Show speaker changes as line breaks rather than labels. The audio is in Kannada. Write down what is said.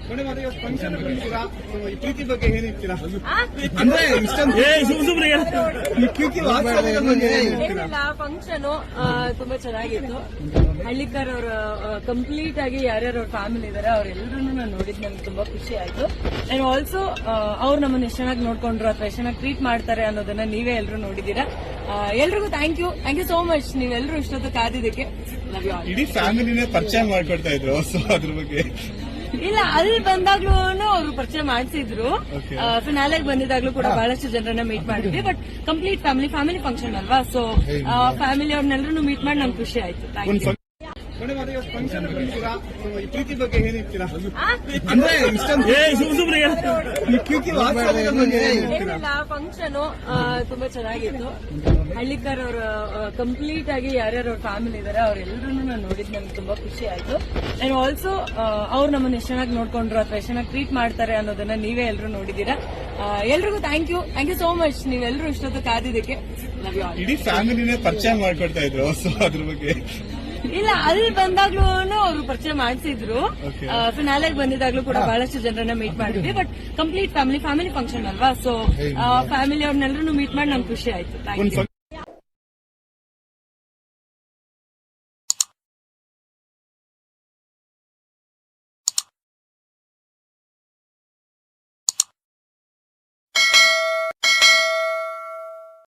ಮೇಡಮ್ ಅದೇ ಫಂಕ್ಷನ್ ಬಂದಿದ್ದೀರಾ, ಈ ಪ್ರೀತಿ ಬಗ್ಗೆ ಹೇಳ್ತೀರಾ? ಅಂದ್ರೆ ಇಷ್ಟೊಂದು ಈ ಪ್ರೀತಿ ವಾತ್ಸಲ್ಯದ ಬಗ್ಗೆ
ಏನಿಲ್ಲ, ಫಂಕ್ಷನ್ ತುಂಬಾ ಚೆನ್ನಾಗಿತ್ತು. ಹಳ್ಳಿಕರ್ ಅವರು ಕಂಪ್ಲೀಟ್ ಆಗಿ ಯಾರ್ಯಾರು ಅವ್ರ ಫ್ಯಾಮಿಲಿ ಇದಾರೆ ಅವರೆಲ್ಲರೂ ನಾನು ನೋಡಿದ್ ನನಗೆ ತುಂಬಾ ಖುಷಿ ಆಯ್ತು. ಅಂಡ್ ಆಲ್ಸೋ ಅವ್ರು ನಮ್ಮನ್ನ ಎಷ್ಟು ಚೆನ್ನಾಗಿ ನೋಡ್ಕೊಂಡ್ರು ಅಥವಾ ಎಷ್ಟು ಚೆನ್ನಾಗಿ ಟ್ರೀಟ್ ಮಾಡ್ತಾರೆ ಅನ್ನೋದನ್ನ ನೀವೇ ಎಲ್ಲರೂ ನೋಡಿದೀರಾ. ಎಲ್ರಿಗೂ ಥ್ಯಾಂಕ್ ಯು ಸೋ ಮಚ್. ನೀವೆಲ್ಲರೂ ಇಷ್ಟೊತ್ತು ಕಾದಿದ್ದಕ್ಕೆ ಲವ್ ಯು ಆಲ್.
ಇಡೀ ಫ್ಯಾಮಿಲಿನೇ ಪರಿಚಯ ಮಾಡ್ಕೊಡ್ತಾ ಇದ್ರು, ಸೊ ಅದ್ರ ಬಗ್ಗೆ
ಇಲ್ಲ, ಅಲ್ಲಿ ಬಂದಾಗ್ಲೂ ಅವರು ಪರಿಚಯ ಮಾಡಿಸಿದ್ರು. ಫಿನಾಲೆಗೆ ಬಂದಿದ್ದಾಗ್ಲೂ ಕೂಡ ಬಹಳಷ್ಟು ಜನರನ್ನ ಮೀಟ್ ಮಾಡಿದ್ವಿ. ಬಟ್ ಕಂಪ್ಲೀಟ್ ಫ್ಯಾಮಿಲಿ ಫಂಕ್ಷನ್ ಅಲ್ವಾ, ಸೊ ಫ್ಯಾಮಿಲಿ ಅವ್ರನ್ನೆಲ್ಲರೂ ಮೀಟ್ ಮಾಡಿ ನಮ್ಗೆ ಖುಷಿ ಆಯ್ತು. Thank you.
ಮೇಡಮ್ ಅದೇ ಫಂಕ್ಷನ್ ಬಂದಿದ್ದೀರಾ, ಈ ಪ್ರೀತಿ ಬಗ್ಗೆ ಹೇಳ್ತೀರಾ? ಅಂದ್ರೆ ಇಷ್ಟೊಂದು ಈ ಪ್ರೀತಿ ವಾತ್ಸಲ್ಯದ ಬಗ್ಗೆ
ಏನಿಲ್ಲ, ಫಂಕ್ಷನ್ ತುಂಬಾ ಚೆನ್ನಾಗಿತ್ತು. ಹಳ್ಳಿಕರ್ ಅವರು ಕಂಪ್ಲೀಟ್ ಆಗಿ ಯಾರ್ಯಾರು ಅವ್ರ ಫ್ಯಾಮಿಲಿ ಇದಾರೆ ಅವರೆಲ್ಲರೂ ನಾನು ನೋಡಿದ್ ನನಗೆ ತುಂಬಾ ಖುಷಿ ಆಯ್ತು. ಅಂಡ್ ಆಲ್ಸೋ ಅವ್ರು ನಮ್ಮನ್ನ ಎಷ್ಟು ಚೆನ್ನಾಗಿ ನೋಡ್ಕೊಂಡ್ರು ಅಥವಾ ಎಷ್ಟು ಚೆನ್ನಾಗಿ ಟ್ರೀಟ್ ಮಾಡ್ತಾರೆ ಅನ್ನೋದನ್ನ ನೀವೇ ಎಲ್ಲರೂ ನೋಡಿದೀರಾ. ಎಲ್ರಿಗೂ ಥ್ಯಾಂಕ್ ಯು ಸೋ ಮಚ್. ನೀವೆಲ್ಲರೂ ಇಷ್ಟೊತ್ತು ಕಾದಿದ್ದಕ್ಕೆ ಲವ್ ಯು ಆಲ್.
ಇಡೀ ಫ್ಯಾಮಿಲಿನೇ ಪರಿಚಯ ಮಾಡ್ಕೊಡ್ತಾ ಇದ್ರು, ಸೊ ಅದ್ರ ಬಗ್ಗೆ
ಇಲ್ಲ, ಅಲ್ಲಿ ಬಂದಾಗ್ಲೂ ಅವರು ಪರಿಚಯ ಮಾಡಿಸಿದ್ರು. ಫಿನಾಲೆಗೆ ಬಂದಿದ್ದಾಗ್ಲೂ ಕೂಡ ಬಹಳಷ್ಟು ಜನರನ್ನ ಮೀಟ್ ಮಾಡಿದ್ವಿ. ಬಟ್ ಕಂಪ್ಲೀಟ್ ಫ್ಯಾಮಿಲಿ ಫಂಕ್ಷನ್ ಅಲ್ವಾ, ಸೊ ಫ್ಯಾಮಿಲಿ ಅವ್ರನ್ನೆಲ್ಲರೂ ಮೀಟ್ ಮಾಡಿ ನಮ್ಗೆ ಖುಷಿ ಆಯ್ತು. Thank you.